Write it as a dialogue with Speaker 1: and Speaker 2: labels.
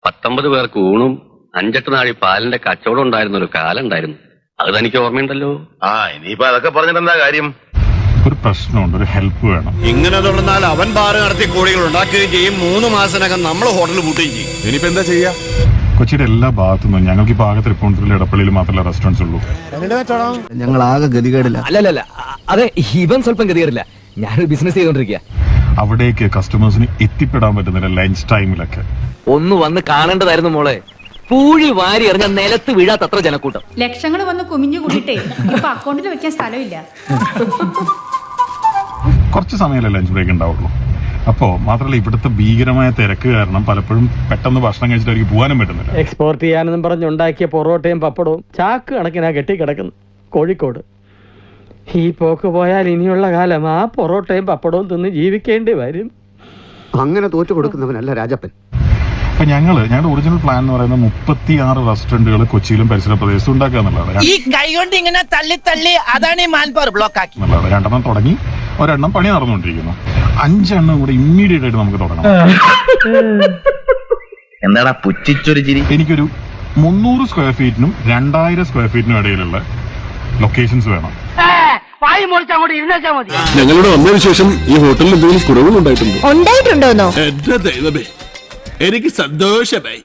Speaker 1: 19 പേർക്ക് ഊണും 5-8 നാഴി പാലിന്റെ കച്ചവടം ഉണ്ടായിരുന്ന ഒരു കാലം ഉണ്ടായിരുന്നു. അത് തനിക്ക് ഓർമ്മയുണ്ടല്ലോ.
Speaker 2: ഇനിയിപ്പോ അതൊക്കെ പറഞ്ഞിട്ട് എന്താ കാര്യം?
Speaker 3: ഒരു പ്രശ്നമുണ്ട്, ഒരു ഹെൽപ്പ് വേണം.
Speaker 4: ഇങ്ങനെ തുടർന്നാൽ അവൻ ബാറ് നടത്തി കോടികൾ ഉണ്ടാക്കുകയും ചെയ്യും. 3 മാസത്തിനകം നമ്മൾ ഹോട്ടൽ പൂട്ടുകയും ചെയ്യും.
Speaker 2: ഇനിയിപ്പോ എന്താ ചെയ്യാ?
Speaker 3: കൊച്ചിയുടെ എല്ലാ ഭാഗത്തുനിന്നും ഞങ്ങൾക്ക് ഇപ്പൊ ആകെ തൃപ്പൂണിത്തുറയിൽ ഇടപ്പള്ളിയിൽ മാത്രമല്ല റെസ്റ്റോറൻറ്റ്സ് ഉള്ളൂ.
Speaker 5: ഞങ്ങൾ ആകെ ഗതികേടില്ല.
Speaker 6: അല്ലല്ല, അതെ, ഇവൻ സ്വല്പം ഗതികേടില്ല. ഞാനൊരു ബിസിനസ് ചെയ്തോണ്ടിരിക്കുക.
Speaker 3: അവിടേക്ക് കസ്റ്റമേഴ്സിന് എത്തിപ്പെടാൻ പറ്റുന്നില്ല ലഞ്ച് ടൈമിലൊക്കെ.
Speaker 6: ഒന്ന് വന്ന് കാണേണ്ടതായിരുന്നു മോളെ. പൂഴി വാരി എറിഞ്ഞ നിലത്ത് വീഴാത്തത്ര ജനക്കൂട്ടം.
Speaker 7: ലക്ഷങ്ങൾ വന്ന് കുമിഞ്ഞു കൂടിയിട്ടേ ഇപ്പൊ അക്കൗണ്ടിൽ വെക്കാൻ സ്ഥലമില്ല.
Speaker 3: കുറച്ച് സമയമല്ലേ ലഞ്ച് ബ്രേക്ക് ഉണ്ടാവുള്ളൂ. അപ്പോൾ മാത്രമല്ല ഇവിടുത്തെ ഭീകരമായ തിരക്ക് കാരണം പലപ്പോഴും പെട്ടെന്ന് ഭക്ഷണം കഴിച്ചിട്ട് അവർക്ക് പോകാനും പറ്റുന്നില്ല.
Speaker 8: എക്സ്പോർട്ട് ചെയ്യാനെന്നും പറഞ്ഞുണ്ടാക്കിയ പൊറോട്ടയും പപ്പടവും ചാക്ക് കണക്കിനാ കെട്ടിക്കിടക്കുന്നു കോഴിക്കോട്. ഈ പോക്ക് പോയാൽ ഇനിയുള്ള കാലം ആ പൊറോട്ടയും പപ്പടവും തിന്ന് ജീവിക്കേണ്ടി വരും.
Speaker 5: അങ്ങനെ തോറ്റു കൊടുക്കുന്നവനല്ല രാജപ്പൻ.
Speaker 3: അപ്പൊ ഞങ്ങളുടെ ഒറിജിനൽ പ്ലാൻ എന്ന് പറയുന്നത് 36 റെസ്റ്റോറന്റുകൾ കൊച്ചിയിലും പരിസര പ്രദേശത്തും ഉണ്ടാക്കുക എന്നുള്ളതാണ്.
Speaker 9: ഈ കൈ കൊണ്ട് ഇങ്ങനെ തള്ളി തള്ളി അതാണ് ഈ മാൻപവർ ബ്ലോക്ക് ആക്കി.
Speaker 3: 2 തുടങ്ങി, 1 പണി നടന്നുകൊണ്ടിരിക്കുന്നു. 5 കൂടെ ഇമ്മീഡിയറ്റ് ആയിട്ട് നമുക്ക് തുടങ്ങണം.
Speaker 2: എന്താടാ പുച്ഛിച്ചൊരു ചിരി?
Speaker 3: എനിക്കൊരു 300 സ്ക്വയർ ഫീറ്റിനും 2000 സ്ക്വയർ ഫീറ്റിനും ഇടയിലുള്ള ലൊക്കേഷൻസ് വേണം.
Speaker 10: ഞങ്ങളുടെ വന്നതിന് ശേഷം ഈ ഹോട്ടലിൽ എന്തെങ്കിലും കുറവുകൾ ഉണ്ടായിട്ടുണ്ടോ?
Speaker 7: ഉണ്ടായിട്ടുണ്ടോന്നോ?
Speaker 10: എന്റെ ദൈവമേ, എനിക്ക് സന്തോഷമായി.